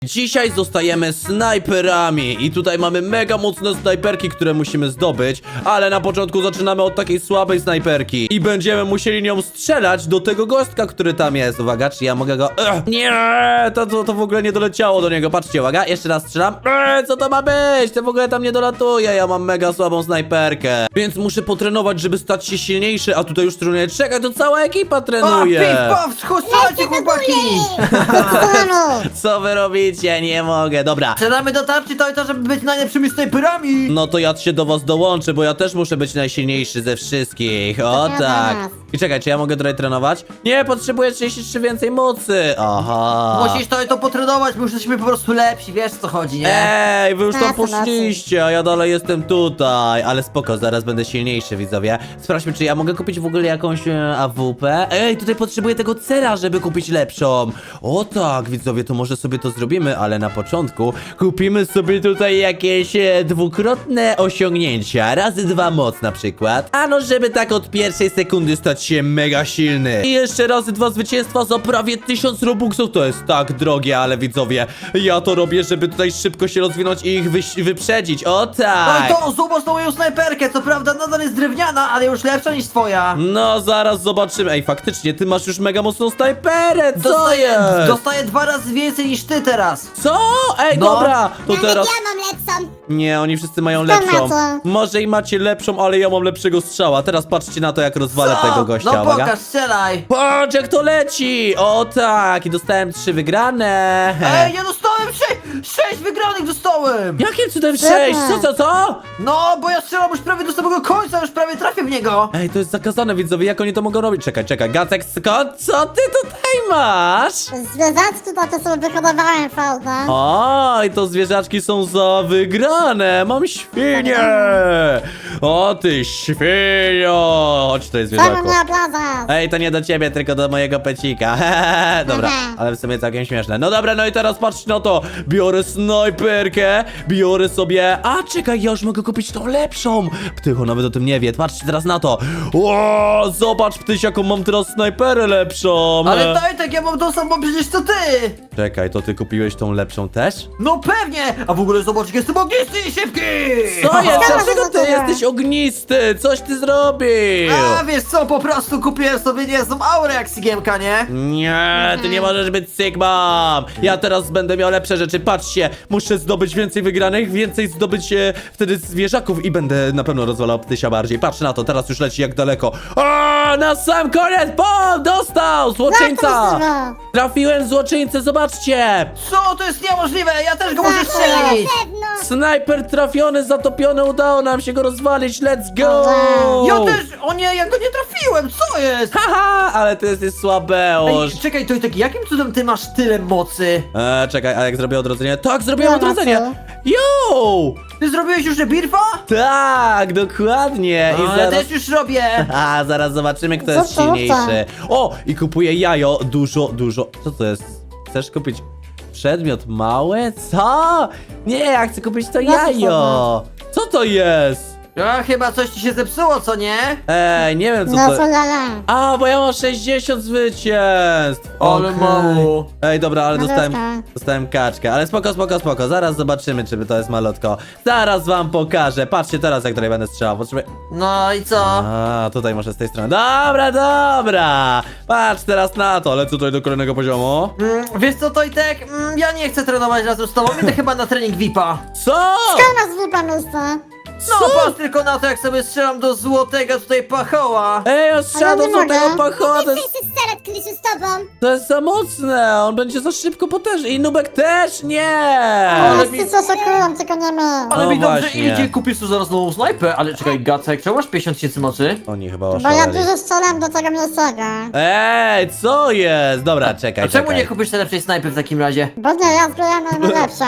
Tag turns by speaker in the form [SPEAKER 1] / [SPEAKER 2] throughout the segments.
[SPEAKER 1] Dzisiaj zostajemy snajperami i tutaj mamy mega mocne snajperki, które musimy zdobyć, ale na początku zaczynamy od takiej słabej snajperki i będziemy musieli nią strzelać do tego gostka, który tam jest. Uwaga, czy ja mogę go... Nie, to w ogóle nie doleciało do niego, patrzcie, uwaga, jeszcze raz strzelam. Co to ma być? To w ogóle tam nie dolatuje, ja mam mega słabą snajperkę, więc muszę potrenować, żeby stać się silniejszy, a tutaj już trenuję. Czekaj, to cała ekipa trenuje.
[SPEAKER 2] Piw, strzelajcie, chłopaki!
[SPEAKER 1] Co wy robicie? Nie mogę, dobra.
[SPEAKER 2] Strzelamy do tarczy to, żeby być najlepszymi snajperami!
[SPEAKER 1] No to ja się do was dołączę, bo ja też muszę być najsilniejszy ze wszystkich. O tak. I czekaj, czy ja mogę tutaj trenować? Nie, potrzebuję 33 więcej mocy. Aha.
[SPEAKER 2] Musisz to potrenować, bo już jesteśmy po prostu lepsi, wiesz co chodzi, nie?
[SPEAKER 1] Ej, wy już tam
[SPEAKER 3] Tak, to
[SPEAKER 1] poszliście, a ja dalej jestem tutaj. Ale spoko, zaraz będę silniejszy, widzowie. Sprawdźmy, czy ja mogę kupić w ogóle jakąś AWP. Ej, tutaj potrzebuję tego cela, żeby kupić lepszą. O tak, widzowie, to może sobie to zrobimy, ale na początku kupimy sobie tutaj jakieś dwukrotne osiągnięcia. Razy 2 moc na przykład. Ano, żeby tak od pierwszej sekundy stać się mega silny. I jeszcze razy 2 zwycięstwa za prawie 1000 robuxów. To jest tak drogie, ale widzowie, ja to robię, żeby tutaj szybko się rozwinąć i ich wyprzedzić. O tak.
[SPEAKER 2] No i to, zobacz na moją snajperkę, co prawda nadal jest drewniana, ale już lepsza niż twoja.
[SPEAKER 1] No, zaraz zobaczymy. Ej, faktycznie, ty masz już mega mocną snajperę. Co jest?
[SPEAKER 2] Dostaję 2 razy więcej niż ty teraz.
[SPEAKER 1] Co? Ej,
[SPEAKER 2] No.
[SPEAKER 1] dobra, to
[SPEAKER 3] Nawet
[SPEAKER 1] teraz...
[SPEAKER 3] ja mam lepszą.
[SPEAKER 1] Nie, oni wszyscy mają
[SPEAKER 3] Kto
[SPEAKER 1] lepszą.
[SPEAKER 3] ma co?
[SPEAKER 1] Może i macie lepszą, ale ja mam lepszego strzała. Teraz patrzcie na to, jak rozwalę
[SPEAKER 2] Co?
[SPEAKER 1] tego gościa.
[SPEAKER 2] No
[SPEAKER 1] Uwaga.
[SPEAKER 2] pokaż, strzelaj.
[SPEAKER 1] Patrz, jak to leci! O tak, i dostałem 3 wygrane.
[SPEAKER 2] Ej, ja dostałem 6 wygranych dostałem.
[SPEAKER 1] Jakim cudem
[SPEAKER 3] Super.
[SPEAKER 1] 6? Co?
[SPEAKER 2] No, bo ja strzelam już prawie do samego końca, już prawie trafię w niego.
[SPEAKER 1] Ej, to jest zakazane, widzowie, jak oni to mogą robić? Czekaj, Gacek, skąd? Co ty tutaj masz?
[SPEAKER 3] Zwierzaczki takie sobie wyhodowałem fałdę.
[SPEAKER 1] Oj, to zwierzaczki są za wygrane. Mam świnię. O ty świnio. Chodź tutaj,
[SPEAKER 3] Czemu
[SPEAKER 1] zwierzaku.
[SPEAKER 3] mnie obrażasz?
[SPEAKER 1] Ej, to nie do ciebie, tylko do mojego pecika. Dobra, ale w sumie całkiem śmieszne. No dobra, no i teraz patrzcie na to. Biorę snajperkę, biorę sobie... A, czekaj, ja już mogę kupić tą lepszą. Ptycho nawet o tym nie wie. Patrzcie teraz na to. O, zobacz, Ptyś, jaką mam teraz snajperę lepszą.
[SPEAKER 2] Ale daj tak, ja mam tą samą przecież co ty.
[SPEAKER 1] Czekaj, to ty kupiłeś tą lepszą też?
[SPEAKER 2] No pewnie! A w ogóle zobacz, jak jestem ognisty i szybki!
[SPEAKER 1] Co jest?
[SPEAKER 3] Haha.
[SPEAKER 1] Dlaczego ty jesteś ognisty? Coś ty zrobił.
[SPEAKER 2] A wiesz co, po prostu kupiłem sobie niezłą aurę jak Sigiemka, nie?
[SPEAKER 1] Nie, ty nie możesz być Sigmą! Ja teraz będę miał lepsze rzeczy, patrzcie! Muszę zdobyć więcej wygranych, więcej zdobyć wtedy zwierzaków i będę na pewno rozwalał Ptysia bardziej. Patrz na to, teraz już leci jak daleko. O, na sam koniec! Bom! Dostał! Złoczyńca! Trafiłem złoczyńcę, zobaczcie!
[SPEAKER 2] Co? To jest niemożliwe! Ja też go muszę
[SPEAKER 3] Tak,
[SPEAKER 2] strzelić!
[SPEAKER 3] pewno.
[SPEAKER 1] Snajper trafiony, zatopiony, udało nam się go rozwalić, let's go!
[SPEAKER 2] Ja też! O nie, ja go nie trafiłem! Co jest?
[SPEAKER 1] Haha, ale ty jesteś słabeusz.
[SPEAKER 2] Ej, czekaj, to tak, jakim cudem ty masz tyle mocy?
[SPEAKER 1] Czekaj, a jak zrobię odrodzenie? Tak, zrobiłem
[SPEAKER 3] Ja
[SPEAKER 1] odrodzenie!
[SPEAKER 3] na
[SPEAKER 1] Yo!
[SPEAKER 2] Ty zrobiłeś już rebirfa?
[SPEAKER 1] Tak, dokładnie.
[SPEAKER 2] No,
[SPEAKER 1] I
[SPEAKER 2] ja
[SPEAKER 1] zaraz...
[SPEAKER 2] też już robię!
[SPEAKER 1] A, zaraz zobaczymy, kto jest
[SPEAKER 3] Co to?
[SPEAKER 1] silniejszy. O, i kupuję jajo. Dużo. Co to jest? Chcesz kupić przedmiot mały? Co? Nie, ja chcę kupić to jajo. Co to jest?
[SPEAKER 2] A chyba coś ci się zepsuło, co nie?
[SPEAKER 1] Ej, nie wiem co
[SPEAKER 3] No
[SPEAKER 1] to...
[SPEAKER 3] co ja.
[SPEAKER 1] A, bo ja mam 60 zwycięstw.
[SPEAKER 2] Ale
[SPEAKER 1] Okej.
[SPEAKER 2] mało.
[SPEAKER 1] Ej, dobra, ale
[SPEAKER 3] Malutko.
[SPEAKER 1] dostałem kaczkę. Ale spoko. Zaraz zobaczymy, czy to jest malutko. Zaraz wam pokażę. Patrzcie teraz, jak tutaj będę strzelał. Potrzebuję...
[SPEAKER 2] No i co?
[SPEAKER 1] A, tutaj może z tej strony. Dobra. Patrz teraz na to. Lecę tutaj do kolejnego poziomu.
[SPEAKER 2] Wiesz co, Tojtek? Ja nie chcę trenować razem z tobą, idę chyba na trening VIP-a.
[SPEAKER 1] Co?
[SPEAKER 3] Skąd masz wypa miejsce?
[SPEAKER 2] No patrz tylko na to, jak sobie strzelam do złotego tutaj pachoła.
[SPEAKER 1] Ej, ostrzelał
[SPEAKER 3] Ale nie
[SPEAKER 1] do tego
[SPEAKER 3] mogę.
[SPEAKER 1] pachoła.
[SPEAKER 3] Ty chcesz strzelać, Krysiu, z tobą?
[SPEAKER 1] To jest za mocne. On będzie za szybko potężny. I Nubek też nie.
[SPEAKER 2] Ale mi-
[SPEAKER 3] Wszyscy szokują, tylko nie my.
[SPEAKER 2] Ale
[SPEAKER 1] No
[SPEAKER 2] mi dobrze
[SPEAKER 1] właśnie.
[SPEAKER 2] idzie, kupisz tu zaraz nową snajpę. Ale czekaj, Gacek, czemu masz 50 tysięcy mocy?
[SPEAKER 1] Oni chyba
[SPEAKER 3] Bo ja
[SPEAKER 1] oszaleli.
[SPEAKER 3] dużo strzelam do tego miejscego.
[SPEAKER 1] Ej, co jest? Dobra, czekaj.
[SPEAKER 2] A czemu nie kupisz tej lepszej snajpy w takim razie?
[SPEAKER 3] Bo nie, ja zbieram najlepszą.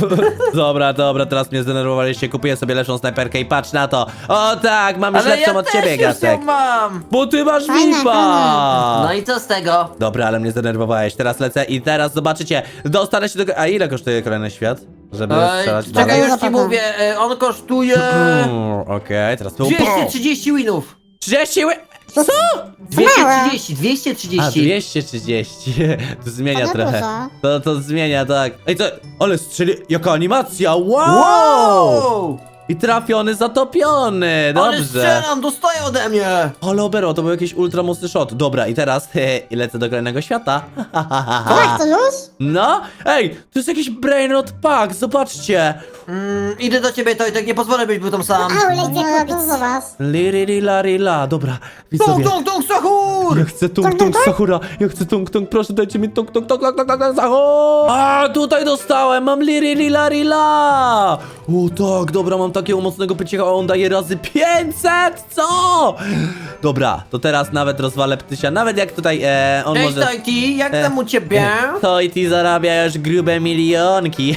[SPEAKER 1] Dobra, teraz mnie zdenerwowaliście. Kupuję sobie lepszą snajperkę i patrz na to. O tak, mam już
[SPEAKER 2] Ale
[SPEAKER 1] lepszą
[SPEAKER 2] ja
[SPEAKER 1] od
[SPEAKER 2] też
[SPEAKER 1] ciebie,
[SPEAKER 2] już
[SPEAKER 1] Gacek.
[SPEAKER 2] ją mam!
[SPEAKER 1] Bo ty masz
[SPEAKER 3] Fajne,
[SPEAKER 1] VIPa!
[SPEAKER 2] No i co z tego?
[SPEAKER 1] Dobra, ale mnie zdenerwowałeś. Teraz lecę i teraz zobaczycie. Dostanę się do... A ile kosztuje kolejny świat? Żeby strzelać
[SPEAKER 2] Czekaj,
[SPEAKER 1] dalej?
[SPEAKER 2] już ci mówię, on kosztuje
[SPEAKER 1] Okej, teraz tu...
[SPEAKER 2] 230 winów.
[SPEAKER 1] 30 ły...
[SPEAKER 3] Co?
[SPEAKER 2] 230,
[SPEAKER 1] A,
[SPEAKER 2] 230.
[SPEAKER 1] 230. To zmienia
[SPEAKER 3] To nie
[SPEAKER 1] trochę.
[SPEAKER 3] dużo.
[SPEAKER 1] To zmienia, tak. Ej, co? Ale strzeli... Jaka animacja! Wow!
[SPEAKER 2] Wow!
[SPEAKER 1] I trafiony, zatopiony!
[SPEAKER 2] Ale
[SPEAKER 1] Dobrze.
[SPEAKER 2] strzelam, dostaję ode mnie.
[SPEAKER 1] Ale obero, to był jakiś ultra mocny shot. Dobra, i teraz i lecę do kolejnego świata.
[SPEAKER 3] Tak, to już?
[SPEAKER 1] No? Ej, to jest jakiś brainrot pack, zobaczcie.
[SPEAKER 2] Idę do ciebie, Tojtek, nie pozwolę, byś był tam sam.
[SPEAKER 3] Aule, idzie kupić. No, to was.
[SPEAKER 1] Lirila. Dobra,
[SPEAKER 2] Tung,
[SPEAKER 1] widzowie.
[SPEAKER 2] tung, tung, sahur!
[SPEAKER 1] Ja chcę tung Sahura, ja chcę tung, proszę dajcie mi tung Sahur. A, tutaj dostałem, mam Lirila. O tak, dobra, mam takiego mocnego pyciecha, a on daje razy 500, co? Dobra, to teraz nawet rozwalę ptysia, nawet jak tutaj on
[SPEAKER 2] Cześć,
[SPEAKER 1] może...
[SPEAKER 2] Tojti, jak tam u ciebie?
[SPEAKER 1] To i ty zarabia już grube milionki.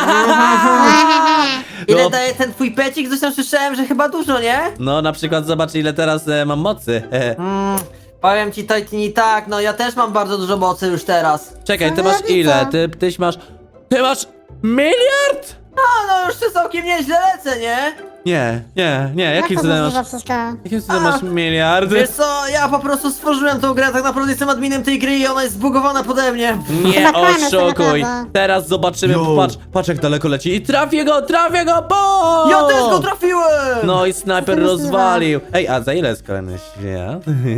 [SPEAKER 2] Ile
[SPEAKER 1] No.
[SPEAKER 2] daje ten twój pecik? Zresztą słyszałem, że chyba dużo, nie?
[SPEAKER 1] No, na przykład zobacz ile teraz mam mocy.
[SPEAKER 2] Powiem ci, Tojti, nie tak, no ja też mam bardzo dużo mocy już teraz.
[SPEAKER 1] Czekaj, ty
[SPEAKER 3] Co
[SPEAKER 1] masz
[SPEAKER 3] robicie?
[SPEAKER 1] ile? Tyś masz... Ty masz miliard?
[SPEAKER 2] No już ty całkiem nieźle lecę, nie?
[SPEAKER 1] Nie, jakim
[SPEAKER 3] Jak to
[SPEAKER 1] cudem masz...
[SPEAKER 3] możliwe wszystko?
[SPEAKER 1] Jakim cudem masz miliard?
[SPEAKER 2] Wiesz co, ja po prostu stworzyłem tą grę, tak naprawdę jestem adminem tej gry i ona jest zbugowana pode mnie.
[SPEAKER 1] Nie
[SPEAKER 3] Chyba kłamiesz, to
[SPEAKER 1] oszukuj.
[SPEAKER 3] naprawdę.
[SPEAKER 1] Teraz zobaczymy,
[SPEAKER 2] Yo.
[SPEAKER 1] patrz jak daleko leci i trafię go, bo!
[SPEAKER 2] Ja też go trafiłem!
[SPEAKER 1] No i snajper
[SPEAKER 3] Co to
[SPEAKER 1] rozwalił. Ej, a za ile jest kolejny świat?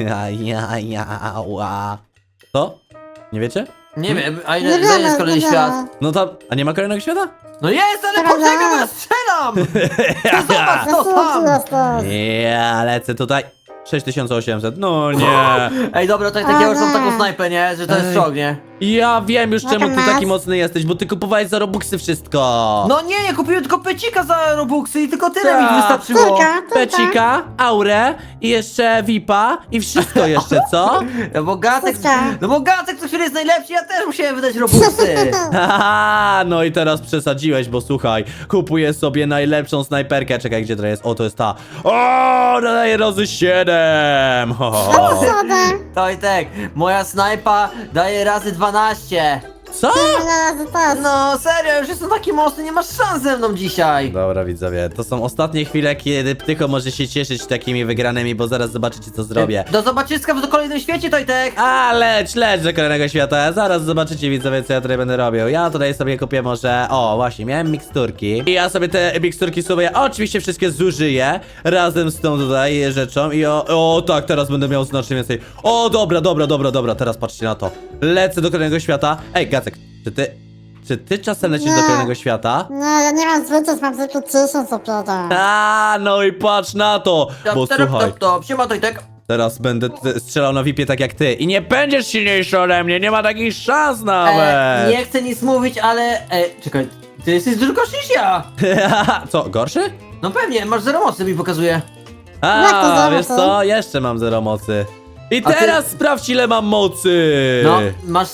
[SPEAKER 1] Co? Nie wiecie?
[SPEAKER 2] Nie wiem, a
[SPEAKER 3] Nie
[SPEAKER 2] ile
[SPEAKER 3] wiemy,
[SPEAKER 2] jest kolejny
[SPEAKER 3] nie
[SPEAKER 2] świat?
[SPEAKER 3] wiemy.
[SPEAKER 1] No to, a nie ma kolejnego świata?
[SPEAKER 2] No jest, ale
[SPEAKER 3] Prawda?
[SPEAKER 2] poczekaj, bo ja strzelam! To zobacz, to
[SPEAKER 3] Zasłużył
[SPEAKER 2] tam!
[SPEAKER 3] jesteś.
[SPEAKER 1] Ja lecę tutaj. 6800, no nie.
[SPEAKER 2] Ej, dobra, to ja już mam taką snajpę, nie? Że to jest
[SPEAKER 1] Ej.
[SPEAKER 2] szok, nie?
[SPEAKER 1] Ja wiem już czemu ty
[SPEAKER 3] Jaka
[SPEAKER 1] taki
[SPEAKER 3] masz?
[SPEAKER 1] mocny jesteś, bo ty kupowałeś za Robuxy wszystko.
[SPEAKER 2] No nie, kupiłem tylko pecika za Robuxy i tylko tyle
[SPEAKER 1] Tak.
[SPEAKER 2] mi wystarczyło.
[SPEAKER 3] Tylko.
[SPEAKER 1] Pecika, aurę i jeszcze VIPa i wszystko jeszcze, co?
[SPEAKER 2] No bo Gacek,
[SPEAKER 3] Wszystko.
[SPEAKER 2] no bo Gacek co chwilę jest najlepszy, ja też musiałem wydać Robuxy.
[SPEAKER 1] Haha, no i teraz przesadziłeś, bo słuchaj, kupuję sobie najlepszą snajperkę. Czekaj, gdzie to jest? O, to jest ta. O, daje razy 7. Ho, ho, ho.
[SPEAKER 3] Sodę.
[SPEAKER 2] Tojtek, moja snajpa daje razy 12.
[SPEAKER 1] Co?
[SPEAKER 3] Razy też.
[SPEAKER 2] No serio, już jestem taki mocny, nie masz szans ze mną dzisiaj.
[SPEAKER 1] Dobra, widzowie, to są ostatnie chwile, kiedy Ptycho może się cieszyć takimi wygranymi, bo zaraz zobaczycie, co zrobię.
[SPEAKER 2] Do zobaczyska w kolejnym świecie, Tojtek.
[SPEAKER 1] A, leć do kolejnego świata. Zaraz zobaczycie, widzowie, co ja tutaj będę robił. Ja tutaj sobie kupię może... O, właśnie, miałem miksturki. I ja sobie te miksturki sobie oczywiście wszystkie zużyję razem z tą tutaj rzeczą. I o tak, teraz będę miał znacznie więcej. O, dobra, teraz patrzcie na to. Lecę do kolejnego świata. Ej, Gacek, czy ty czasem lecisz do
[SPEAKER 3] Nie.
[SPEAKER 1] kolejnego świata?
[SPEAKER 3] Nie, ja nie mam zwyczaj, mam tylko 1000 dopiero.
[SPEAKER 1] A, no i patrz na to. Bo słuchaj,
[SPEAKER 2] Siema, Tojtek.
[SPEAKER 1] teraz będę strzelał na VIP-ie tak jak ty. I nie będziesz silniejszy ode mnie, nie ma takich szans nawet.
[SPEAKER 2] Nie chcę nic mówić, ale... czekaj, ty jesteś dużo gorszy niż ja.
[SPEAKER 1] Co, gorszy?
[SPEAKER 2] No pewnie, masz zero mocy, mi pokazuje.
[SPEAKER 3] Jak to
[SPEAKER 1] A,
[SPEAKER 3] zero
[SPEAKER 1] wiesz
[SPEAKER 3] mocy?
[SPEAKER 1] co? Jeszcze mam 0 mocy. I
[SPEAKER 2] A ty-
[SPEAKER 1] teraz sprawdź ile mam mocy!
[SPEAKER 2] No, masz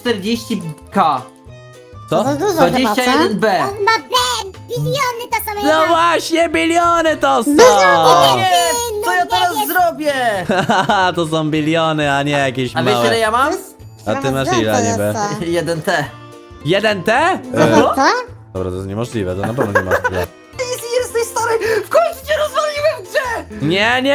[SPEAKER 2] 140k.
[SPEAKER 1] Co?
[SPEAKER 3] To dużo chyba, co?
[SPEAKER 2] 21b.
[SPEAKER 3] On ma biliony to są
[SPEAKER 1] No właśnie, biliony to są!
[SPEAKER 2] Nie, co ja teraz zrobię?
[SPEAKER 1] Haha, to są biliony, a nie jakieś
[SPEAKER 2] A wiesz ile
[SPEAKER 1] małe.
[SPEAKER 2] ja mam?
[SPEAKER 1] A ty masz ile niby?
[SPEAKER 2] 1t.
[SPEAKER 1] 1T?
[SPEAKER 3] Co?
[SPEAKER 1] Dobra, to jest niemożliwe, to na pewno nie masz tyle.
[SPEAKER 2] Jesteś stary, w końcu cię rozwaliłem w grze!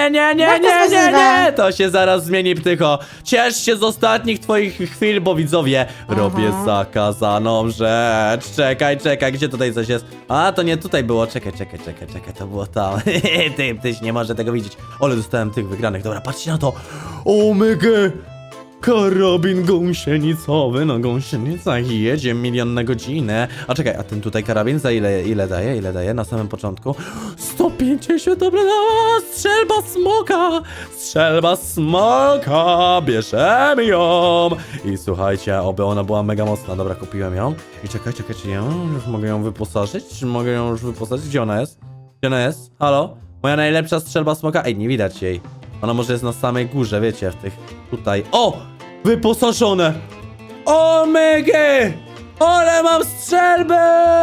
[SPEAKER 1] Nie, to się zaraz zmieni, Ptycho. Ciesz się z ostatnich twoich chwil, bo widzowie, robię zakazaną rzecz. Czekaj, gdzie tutaj coś jest? A, to nie tutaj było, czekaj, to było tam. Tyś nie może tego widzieć. Ale dostałem tych wygranych, dobra, patrzcie na to. Omega! Karabin gąsienicowy, na gąsienicach jedzie 1 milion na godzinę. A czekaj, a ten tutaj karabin za ile daje na samym początku? 150, dobra, strzelba smoka, bierzemy ją. I słuchajcie, oby ona była mega mocna, dobra, kupiłem ją. I czekaj, czy ja już mogę ją wyposażyć? Gdzie ona jest? Halo? Moja najlepsza strzelba smoka? Ej, nie widać jej. Ona może jest na samej górze, wiecie, w tych tutaj. O! Wyposażone! Omega! Ale mam strzelbę!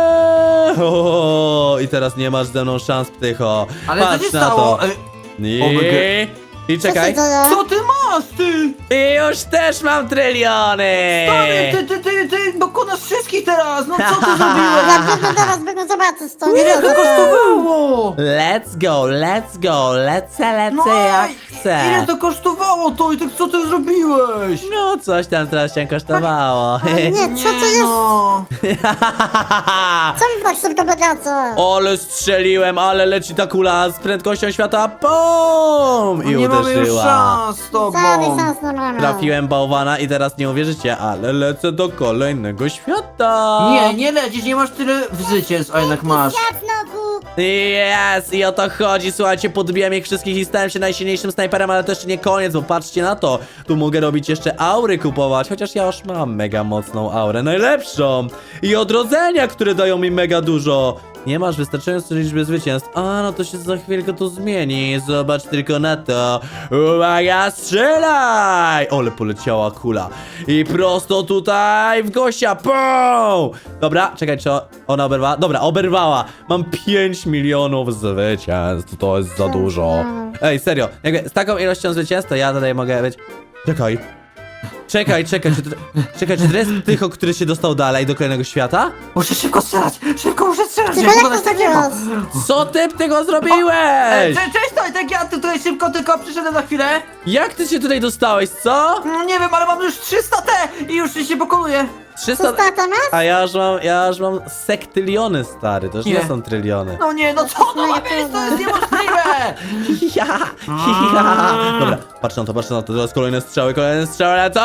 [SPEAKER 1] O, i teraz nie masz ze mną szans, Ptycho.
[SPEAKER 2] Ale co
[SPEAKER 1] Patrz
[SPEAKER 2] się
[SPEAKER 1] na
[SPEAKER 2] stało?
[SPEAKER 1] to.
[SPEAKER 2] Omega.
[SPEAKER 1] I czekaj.
[SPEAKER 3] Co się dzieje?
[SPEAKER 2] Co ty masz, ty!
[SPEAKER 1] I już też mam tryliony!
[SPEAKER 2] Stary, ty pokonasz wszystkich teraz! No co ty zrobiłeś?
[SPEAKER 3] Ja biegnę teraz, biegnę zobaczyć to. Nie
[SPEAKER 2] Ile to
[SPEAKER 3] wiem,
[SPEAKER 2] kosztowało?
[SPEAKER 1] Let's go, lecę
[SPEAKER 2] No,
[SPEAKER 1] jak
[SPEAKER 2] ile
[SPEAKER 1] chcę.
[SPEAKER 2] to kosztowało to i tak co ty zrobiłeś?
[SPEAKER 1] No coś tam teraz się kosztowało.
[SPEAKER 3] Nie, co to jest?
[SPEAKER 2] No.
[SPEAKER 3] Co mi tak szybko biegacie?
[SPEAKER 1] Ale strzeliłem, ale leci ta kula z prędkością świata, BOOM! I
[SPEAKER 2] Nie mamy już
[SPEAKER 1] uderzyła.
[SPEAKER 2] szans z tobą.
[SPEAKER 3] Żadnych szans nie mamy.
[SPEAKER 1] Trafiłem bałwana i teraz nie uwierzycie, ale lecę do kolejnego świata.
[SPEAKER 2] Nie lecisz, nie masz tyle zwycięstw, a jednak masz.
[SPEAKER 3] Ja znowu.
[SPEAKER 1] Jest! I o to chodzi, słuchajcie, podbiłem ich wszystkich i stałem się najsilniejszym snajperem, ale to jeszcze nie koniec, bo patrzcie na to. Tu mogę robić jeszcze aury kupować, chociaż ja już mam mega mocną aurę, najlepszą. I odrodzenia, które dają mi mega dużo. Nie masz wystarczającej liczby zwycięstw. A, no to się za chwilkę to zmieni. Zobacz tylko na to. Uwaga, strzelaj! Ole, poleciała kula. I prosto tutaj w gościa. Pum! Dobra, czekaj, czy ona oberwała? Dobra, oberwała. Mam 5 milionów zwycięstw. To jest za dużo. Ej, serio. Jakby z taką ilością zwycięstw, to ja tutaj mogę być... Czekaj, czy to jest tylko, który się dostał dalej do kolejnego świata?
[SPEAKER 2] Muszę szybko strzelać, muszę strzelać,
[SPEAKER 3] Tylko jak to zrobiłeś?
[SPEAKER 1] Co ty tego zrobiłeś?
[SPEAKER 2] Cześć, Tojtek, ja tutaj szybko tylko przyszedłem na chwilę.
[SPEAKER 1] Jak ty się tutaj dostałeś, co?
[SPEAKER 2] Nie wiem, ale mam już 300 T i już się pokonuję.
[SPEAKER 1] 300...
[SPEAKER 3] Co to masz?
[SPEAKER 1] A ja już mam sektyliony, stary, to już nie
[SPEAKER 2] Nie.
[SPEAKER 1] są tryliony.
[SPEAKER 2] No nie, no co to ma być, to jest niemożliwe.
[SPEAKER 1] Ja. Dobra, patrz na to, teraz kolejne strzały, lecą.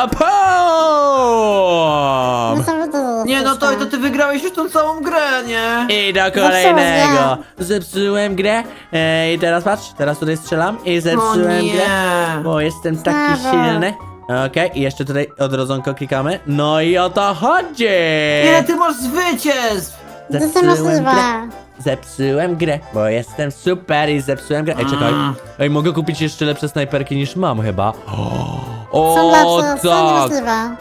[SPEAKER 3] No
[SPEAKER 1] PUM!
[SPEAKER 3] co wy to
[SPEAKER 2] Nie, no to ty wygrałeś już tą całą grę, nie?
[SPEAKER 1] I do kolejnego. Zepsułem grę. I teraz patrz, teraz tutaj strzelam i
[SPEAKER 2] No
[SPEAKER 1] zepsułem grę.
[SPEAKER 2] nie.
[SPEAKER 1] Bo jestem taki
[SPEAKER 3] Brawo.
[SPEAKER 1] silny. Okej, i jeszcze tutaj odrodzonko klikamy. No i o to chodzi!
[SPEAKER 2] Ile ty masz zwycięstw?
[SPEAKER 3] To jest możliwe.
[SPEAKER 1] Zepsułem grę, bo jestem super i zepsułem grę. Ej, czekaj. Ej, mogę kupić jeszcze lepsze snajperki niż mam chyba. O,
[SPEAKER 3] Są lepsze, są
[SPEAKER 1] tak.
[SPEAKER 3] niemożliwe.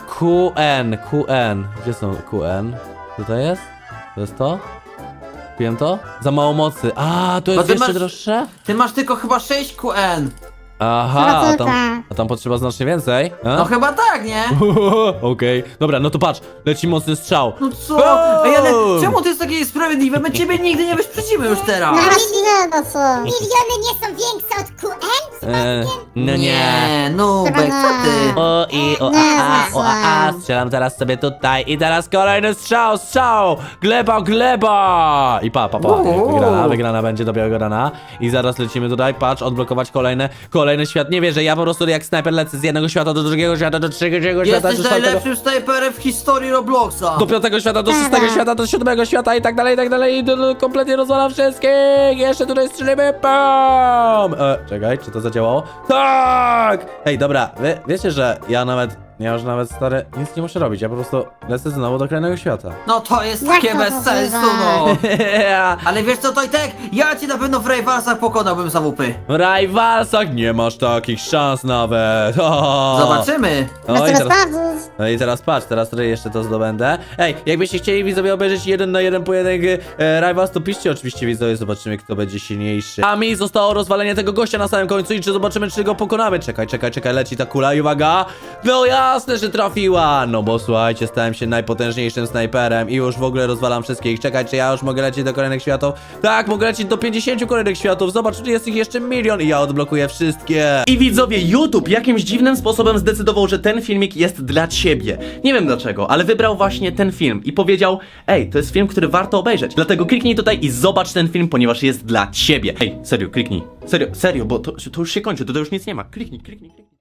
[SPEAKER 1] QN. Gdzie są QN? Tutaj jest? To jest to? Kupiłem to? Za mało mocy. A, to
[SPEAKER 2] Bo
[SPEAKER 1] jest
[SPEAKER 2] ty
[SPEAKER 1] jeszcze
[SPEAKER 2] masz-
[SPEAKER 1] droższe?
[SPEAKER 2] Ty masz tylko chyba 6 QN.
[SPEAKER 1] Aha,
[SPEAKER 3] Chyba
[SPEAKER 1] a tam potrzeba znacznie więcej. A?
[SPEAKER 2] No chyba tak, nie?
[SPEAKER 1] Okej, dobra, no to patrz, leci mocny strzał.
[SPEAKER 2] No co? Ej, ale czemu to jest takie niesprawiedliwe? My ciebie nigdy nie wyprzedzimy już teraz.
[SPEAKER 3] No właśnie nie, no co?
[SPEAKER 4] Miliony nie są większe od QN?
[SPEAKER 1] No nie.
[SPEAKER 2] Nie, Nubek, co ty?
[SPEAKER 1] O i o
[SPEAKER 3] Nie,
[SPEAKER 1] a, strzelam teraz sobie tutaj i teraz kolejny strzał, gleba i pa, wygrana będzie do białego rana i zaraz lecimy tutaj, patrz, odblokować kolejny świat, nie wierzę, ja po prostu jak snajper lecę z jednego świata do drugiego świata, do trzeciego świata, do
[SPEAKER 2] Jesteś
[SPEAKER 1] czwartego,
[SPEAKER 2] najlepszym snajperem w historii Robloxa.
[SPEAKER 1] do piątego świata, do szóstego świata, do siódmego świata i tak dalej, kompletnie rozwalam wszystkich, jeszcze tutaj strzelimy, pam! Czekaj, czy to zadziałało? Tak! Hej, dobra, wiecie, że ja już nawet, stary, nic nie muszę robić, ja po prostu lecę znowu do kolejnego świata.
[SPEAKER 2] No to jest
[SPEAKER 3] Jak
[SPEAKER 2] takie
[SPEAKER 3] to
[SPEAKER 2] bez
[SPEAKER 3] możliwe?
[SPEAKER 2] sensu, no. Ale wiesz co, Tojtek? Ja cię na pewno w Raywarsach pokonałbym za łupy.
[SPEAKER 1] W Rajwalsach nie masz takich szans nawet.
[SPEAKER 2] Zobaczymy.
[SPEAKER 3] Możemy
[SPEAKER 1] I teraz,
[SPEAKER 3] sprawdzić.
[SPEAKER 1] no i teraz patrz, teraz tutaj jeszcze to zdobędę. Ej, jakbyście chcieli widzowie obejrzeć 1 na 1 pojedynek Rivals, to piszcie oczywiście widzowie, zobaczymy kto będzie silniejszy. A mi zostało rozwalenie tego gościa na samym końcu i czy zobaczymy czy go pokonamy. Czekaj, leci ta kula i uwaga. No jasne, że trafiła. No bo słuchajcie, stałem się najpotężniejszym snajperem i już w ogóle rozwalam wszystkich. Czekaj, czy ja już mogę lecieć do kolejnych światów? Tak, mogę lecieć do 50 kolejnych światów. Zobacz, czy jest ich jeszcze 1 000 000 i ja odblokuję wszystkie.
[SPEAKER 5] I widzowie, YouTube jakimś dziwnym sposobem zdecydował, że ten filmik jest dla ciebie. Nie wiem dlaczego, ale wybrał właśnie ten film i powiedział: ej, to jest film, który warto obejrzeć. Dlatego kliknij tutaj i zobacz ten film, ponieważ jest dla ciebie. Ej, serio, kliknij. Serio, bo to już się kończy, to już nic nie ma. Kliknij.